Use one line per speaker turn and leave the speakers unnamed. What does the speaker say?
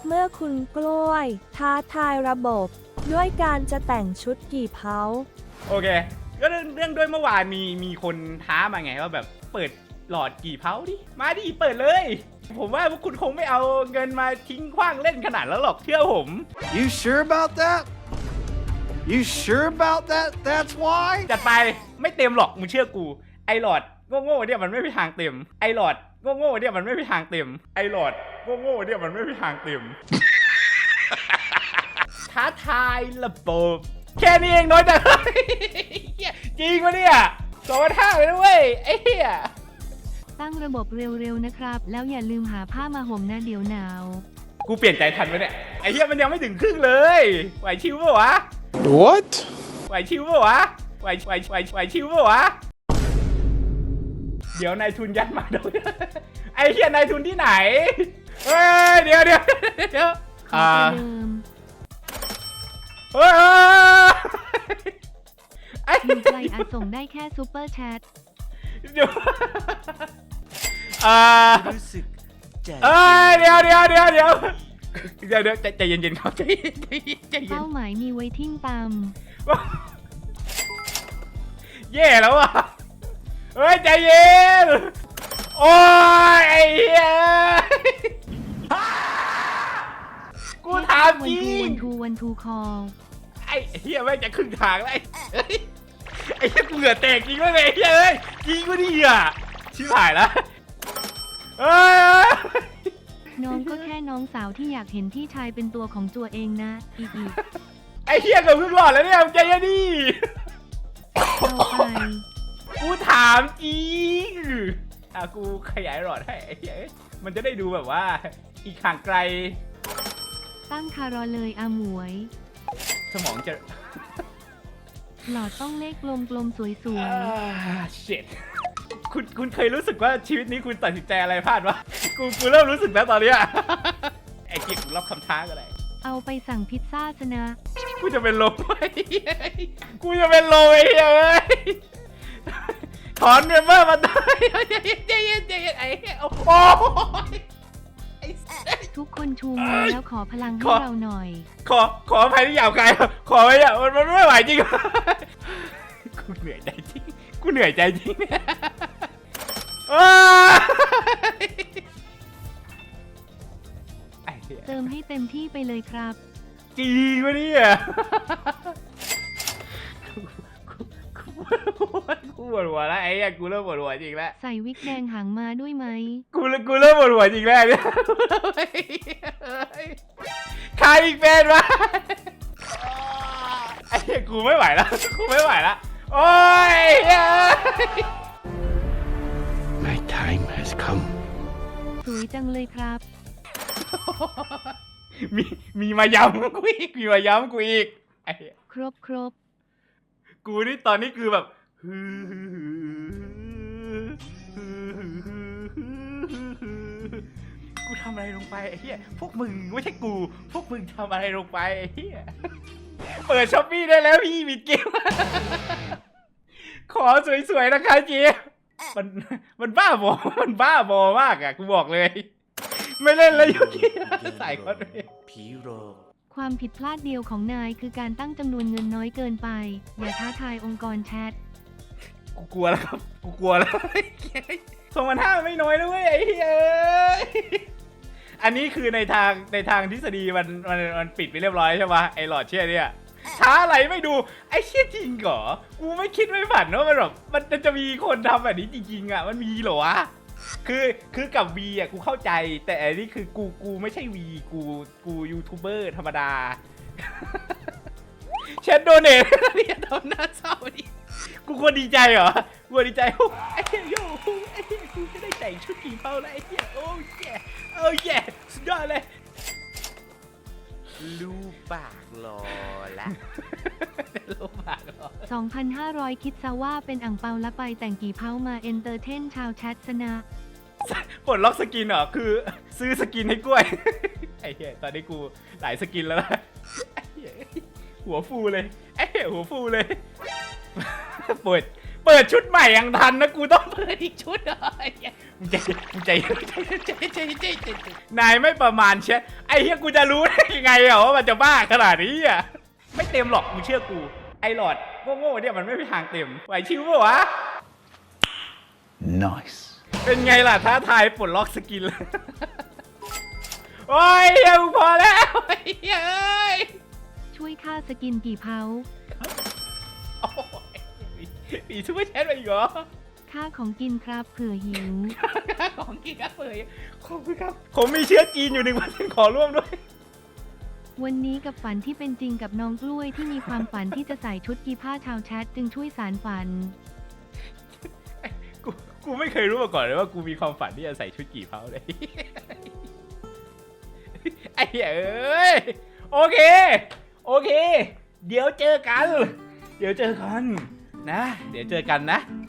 เมื่อคุณกล้วยท้าทายระบบ ด้วยการจะแต่งชุดกี่เพ้า
โอเคก็เรื่องด้วยเมื่อวานมีคนท้ามาไงว่าแบบเปิดหลอดกี่เพ้าดิมาดิเปิดเลย ผมว่าพวกคุณคงไม่เอาเงินมาทิ้งขว้างเล่นขนาดแล้วหรอกเชื่อผม
You sure about that? You sure about that? That's why?
จัดไปไม่เต็มหรอกมึงเชื่อกูไอหลอดโง่ๆเนี่ยมันไม่มีทางเต็มไอหลอดโง่ๆเนี่ยมันไม่มีทางเต็มไอหลอดโง่ๆเนี่ยมันไม่มีทางเต็ม ท้าทายระบบแค่นี้เองน้อยแต่ จริงปะเนี่ย2,500เลยนะเว้ยไอ้เหี้ย
ตั้งระบบเร็วๆนะครับ แล้วอย่าลืมหาผ้ามาห่มนะเดี๋ยวหนาว
กูเปลี่ยนใจทันไหมเนี่ยไอ้เหี้ยมันยังไม่ถึงครึ่งเลยไหวชิวปะวะ
What?
ไหวชิวปะวะไหวชิวปะวะเดี๋ยวนายทุนยัดมาดู ไอ้เหี้ยนายทุนที่ไหนเฮ้ยเดี๋ยว
ขอประเดิม
เฮ้ยไอ้
อยู่ไกลอาจส่งได้แค่ซูเปอร์แชท
เดี๋ยว
รู้สึกใจ
เอ้ยเดี๋ยวใจเย็นๆครับใจเย็น
เป้าหมายมีไว้ทิ้งตาม
แย่แล้วอ่ะเฮ้ยใจเย็นโอ้ยไอ้เหี้ยกูถามจริง
วันทูคอล
ไอ้เหี้ยแม่งจะครึ่งทางแล้วไอ้เหี้ยกูเหงื่อแตกจริงวะเนี่ยไอ้เหี้ยเอ้ยจริงวะนี่อ่ะชิบหายแล้วเอ้ย
น้องก็แค่น้องสาวที่อยากเห็นพี่ชายเป็นตัวของตัวเองนะอีก
ไอ้เหี้ยเกือบครึ่งหลอดแล้วเนี่ยใจเย็นดิ
เอาไป
กูถามจริงกูขยายหลอดให้ไอ้เหี้ยมันจะได้ดูแบบว่าอีกห่างไกล
ตั้งคารอเลยอาหมวย
สมองจะ
หลอดต้องเลขกลมๆสวย
เช็ดคุณเคยรู้สึกว่าชีวิตนี้คุณตัดสินใจอะไรพลาดวะกูเริ่มรู้สึกแล้วตอนเนี้ยไอ้เกียรติรับคำท้าก็ได้
ๆ เอาไปสั่งพิซซ่าซะนะ
กูจะเป็นลมไอ้เหี้ยกูจะเป็นลมไอ้เหี้ยเอ้ยถอนเมมเบอร์มาได้ใจเย็นไอ้เหี้ยโอ้โหไอ้
ทุกคนชูมือแล้วขอพลังให้เราหน่อย
ขออภัยที่หยาบคายขอไปอ่ะมันไม่ไหวจริงกูเหนื่อยใจจริงไอ้เหี้ย
เติมให้เต็มที่ไปเลยครับ
จริงวะเนี่ยกูปวดหัวแล้วไอ้เนี่ยกูเริ่มปวดหัวจริงแล้ว
ใส่วิกแดงหางมาด้วยไหม
กูเริ่มปวดหัวจริงแล้วเนี่ยใครอีกเป็นวะไอ้เนี่ยกูไม่ไหวแล้วโอ้ย
My time has come
สวยจังเลยครับ
มีมาย้ำกูอีกไอ้เหี้ย
ครบ
กูนี่ตอนนี้คือแบบกูทำอะไรลงไปไอ้เหี้ยพวกมึงไม่ใช่กูพวกมึงทำอะไรลงไปไอ้เหี้ยเปิดช้อปปี้ได้แล้วพี่มีเกมขอสวยๆนะคะเจ๊มันบ้าบอมากอ่ะกูบอกเลย ไม่เล่นแล้วยุกี้ใส่คนเลย
ผีโรง
ความผิดพลาดเดียวของนายคือการตั้งจำนวนเงินน้อยเกินไป อย่าท้าทายองค์กรแชท
กูกลัวแล้วครับ2,500ไม่น้อยนะเว้ยไอ้เหี้ยอันนี้คือในทางทฤษฎีมันปิดไปเรียบร้อยใช่ปะไอ้หลอดเชี่ยเนี่ยช้าอะไรไม่ดูไอ้เชี่ยจริงเหรอกูไม่คิดไม่ฝันว่ามันแบบมันจะมีคนทำแบบนี้จริงๆอ่ะมันมีเหรอวะคือกับวีอ่ะกูเข้าใจแต่อันนี้คือกูไม่ใช่วีกูยูทูบเบอร์ธรรมดาเชนโดเนทเนี่ยทำหน้าเศร้าดิกูควรดีใจเหรอกูควรดีใจไอ้เหี้ยโย่ไอ้เหี้ยกูจะได้แต่งชุดกี่เป้าแล้วไอ้เหี้ยโอ้แย่สุดยอดเลย
ลูกปากรอละ
ลูกปากเหรอ
2,500 คิดซะว่าเป็นอ่างเปาและไปแต่งกี่เผามาเอนเตอร์เทนชาวแชทซะนะ
ปลดล็อกสกินเหรอคือซื้อสกินให้กล้วย ไอ้เหี้ยตอนนี้กูหลายสกินแล้วนะไอ้เหี้ยหัวฟูเลยไอ้เหี้ยหัวฟูเลย เปิดชุดใหม่ยังทันนะกูต้องเปิดอีกชุดเหรอไอ้เหี้ยนายไม่ประมาณใช่ไอ้เหี้ยกูจะรู้ได้ยังไงอะว่ามันจะบ้าขนาดนี้อะไม่เต็มหรอกมึงเชื่อกูไอ้หลอดโง่ๆเนี่ยมันไม่มีทางเต็มไหวชิวปะวะ
Nice.
เป็นไงล่ะท้าทายปลดล็อกสกินเลย โอ้ยเดี๋ยวพอแล้วเฮ้ย
ช่วยค่าสกินกี่เผา
โอ้ยมีซูเปอร์แชทมาอีกเหรอ
ค่าของกินครับเผื่อหิว
ของกินครับเลยขอบคุณครับผมมีเชื้อจีนอยู่1%ขอร่วมด้วย
วันนี้กับฝันที่เป็นจริงกับน้องกล้วยที่มีความฝันที่จะใส่ชุดกีผ้าชาวแชทจึงช่วยสารฝัน
กูไม่เคยรู้มาก่อนเลยว่ากูมีความฝันที่จะใส่ชุดกี่เผาเลย ไอ้เหี้ยเอ้ยโอเค เดี๋ยวเจอกันนะ เดี๋ยวเจอกันนะ